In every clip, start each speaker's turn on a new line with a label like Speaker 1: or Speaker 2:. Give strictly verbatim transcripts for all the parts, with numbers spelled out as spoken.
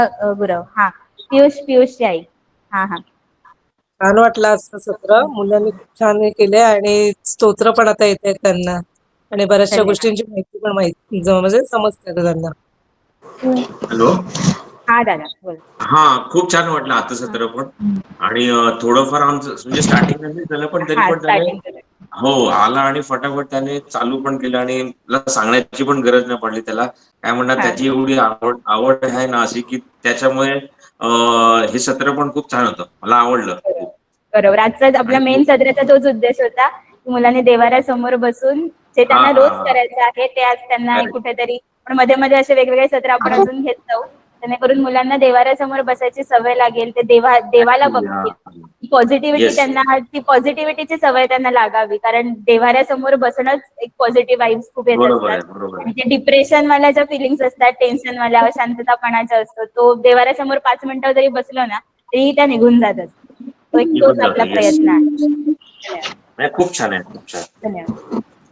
Speaker 1: गुरव हा पियुष पियुषची आई. हा हा
Speaker 2: छान वाटलं आजचं सत्र. मुलांनी खूप छान हे केले आणि स्तोत्र पण आता येत आहेत त्यांना आणि बऱ्याचशा
Speaker 1: धन्यवाद.
Speaker 2: गोष्टींची माहिती पण माहिती म्हणजे समजते आता त्यांना.
Speaker 3: हॅलो.
Speaker 1: हा दादा बोल.
Speaker 3: हा खूप छान वाटलं आता सत्र पण आणि थोडंफार आमचं म्हणजे स्टार्टिंग नाही झालं पण तरी
Speaker 1: हा
Speaker 3: पण त्याने
Speaker 1: स्टार्टिंग
Speaker 3: हो आला आणि फटाफट त्याने चालू पण केलं आणि मला सांगण्याची पण गरज नाही पडली त्याला. काय म्हणणार
Speaker 1: हा
Speaker 3: त्याची एवढी आवड आवड आहे ना अशी की त्याच्यामुळे अं हे सत्र पण खूप छान होतं. मला आवडलं खूप.
Speaker 1: बरोबर आजचा आपला
Speaker 3: आणि
Speaker 1: मेन सदराचा तोच उद्देश होता की मुलांनी देवाऱ्यासमोर बसून जे
Speaker 3: हा
Speaker 1: त्यांना
Speaker 3: हा
Speaker 1: रोज
Speaker 3: हा
Speaker 1: करायचं आहे ते आज त्यांना
Speaker 3: करेक्ट.
Speaker 1: कुठेतरी पण मध्ये मध्ये असे वेगवेगळे सत्र आपण अजून घेत जाऊ जेणेकरून मुलांना देवाऱ्यासमोर बसायची सवय लागेल ते देवा देवाला
Speaker 3: ऍक्च्युली हा
Speaker 1: बघतील. पॉझिटिव्हिटी
Speaker 3: येस
Speaker 1: त्यांना ती पॉझिटिव्हिटीची सवय त्यांना लागावी कारण देवाऱ्यासमोर बसणंच एक पॉझिटिव्ह वाईब्स खूप येत
Speaker 3: बरोबर
Speaker 1: असतात
Speaker 3: आहे बरोबर
Speaker 1: आणि
Speaker 3: आहे.
Speaker 1: ते डिप्रेशन वाल्या ज्या फिलिंग्स असतात टेन्शन वाल्या अशांततापणाचा असतो तो देवाऱ्यासमोर पाच मिनिटं जरी बसलो ना तरी त्या निघून जात असतात. तो एक तोच
Speaker 3: निघून
Speaker 1: आपला
Speaker 3: जातो येस.
Speaker 1: प्रयत्न आहे. धन्यवाद.
Speaker 3: नाही खूप छान आहे खूप छान.
Speaker 1: धन्यवाद.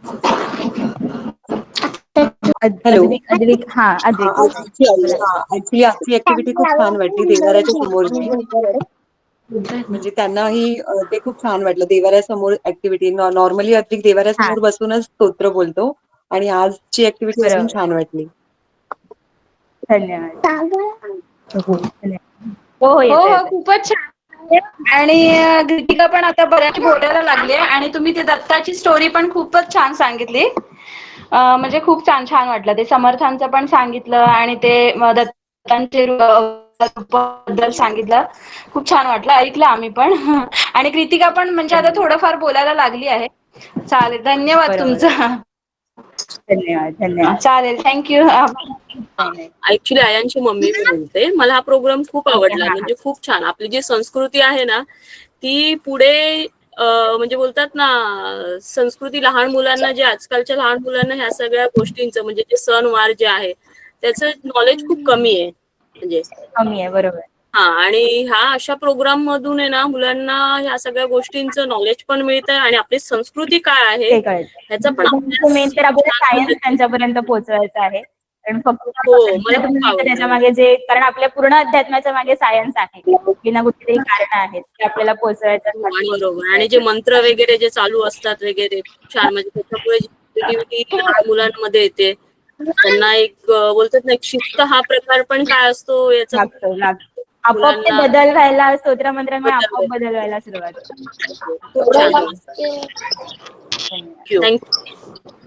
Speaker 4: हॅलो.
Speaker 1: अद्विक अद्विक हा अद्विक बोला.
Speaker 4: ऍक्च्युली आजची ऍक्टिव्हिटी खूप छान वाटली देवाऱ्याच्या समोरची. म्हणजे त्यांनाही ते खूप छान वाटलं देवाऱ्यासमोर ऍक्टिव्हिटी. नॉर्मली अद्विक
Speaker 1: हा
Speaker 4: देवाऱ्यासमोर बसूनच स्तोत्र बोलतो आणि आजची ऍक्टिव्हिटी अजून
Speaker 1: बरोबर.
Speaker 4: छान वाटली.
Speaker 1: धन्यवाद.
Speaker 4: हो
Speaker 1: हो हो
Speaker 5: हो
Speaker 1: येतो
Speaker 5: हो
Speaker 1: येतो.
Speaker 5: खूपच छान आणि कृतिका पण आता बऱ्याच बोलायला लागले आणि तुम्ही ते दत्ताची स्टोरी पण खूपच छान सांगितली. म्हणजे खूप छान छान वाटलं ते समर्थांचं पण सांगितलं आणि ते दत्तांचे बद्दल सांगितलं. खूप छान वाटलं ऐकलं आम्ही पण आणि कृतिका पण म्हणजे आता
Speaker 1: धन्यवाद.
Speaker 5: थोडंफार बोलायला लागली आहे. चालेल धन्यवाद
Speaker 1: बरोबर
Speaker 5: तुमचं.
Speaker 1: धन्यवाद धन्यवाद.
Speaker 5: चालेल थँक्यू.
Speaker 1: नाही नाही.
Speaker 6: ऍक्च्युली आयांची मम्मी मी बोलते. मला हा प्रोग्राम खूप
Speaker 1: ओके
Speaker 6: आवडला
Speaker 1: हा हा
Speaker 6: म्हणजे खूप छान आपली जी संस्कृती आहे ना ती पुढे म्हणजे बोलतात ना संस्कृती लहान मुलांना जे आजकालच्या लहान मुलांना ह्या सगळ्या गोष्टींचं म्हणजे जे सण वार जे आहे त्याचं नॉलेज खूप कमी आहे म्हणजे
Speaker 1: कमी आहे बरोबर.
Speaker 6: हा आणि ह्या अशा प्रोग्राम मधून आहे ना मुलांना ह्या सगळ्या गोष्टींचं नॉलेज पण मिळतंय आणि आपली संस्कृती काय आहे
Speaker 1: ते
Speaker 6: ह्याचा पण
Speaker 1: कळतं मेन
Speaker 6: अभ्यास
Speaker 1: तर आपल्याला
Speaker 6: छान
Speaker 1: सायन्स
Speaker 6: पद्धतीने
Speaker 1: त्यांच्यापर्यंत पोहोचवायचा आहे. कारण फक्त
Speaker 6: हो मला खूप
Speaker 1: त्याच्या
Speaker 6: आवडलं.
Speaker 1: मागे जे कारण आपल्या पूर्ण अध्यात्माच्या मागे सायन्स आहे बिना कुठलीतरी कारण आहेत ते आपल्याला पोहोचवायचं
Speaker 6: हो आणि बरोबर आणि जे मंत्र वगैरे जे चालू असतात वगैरे खूप छान म्हणजे त्याच्यामुळे जी पॉझिटिव्हिटी लहान मुलांमध्ये येते त्यांना एक बोलतात ना एक शिस्त हा प्रकार पण काय असतो याचा
Speaker 1: लागतो लागतो आपोआप ते
Speaker 6: मुलांना
Speaker 1: बदल व्हायला स्तोत्र मंत्रामुळे
Speaker 6: बदल
Speaker 1: आपोआप बदल व्हायला सुरुवात होते.
Speaker 6: खूप छान
Speaker 1: धन्यवाद.
Speaker 6: थँक्यू.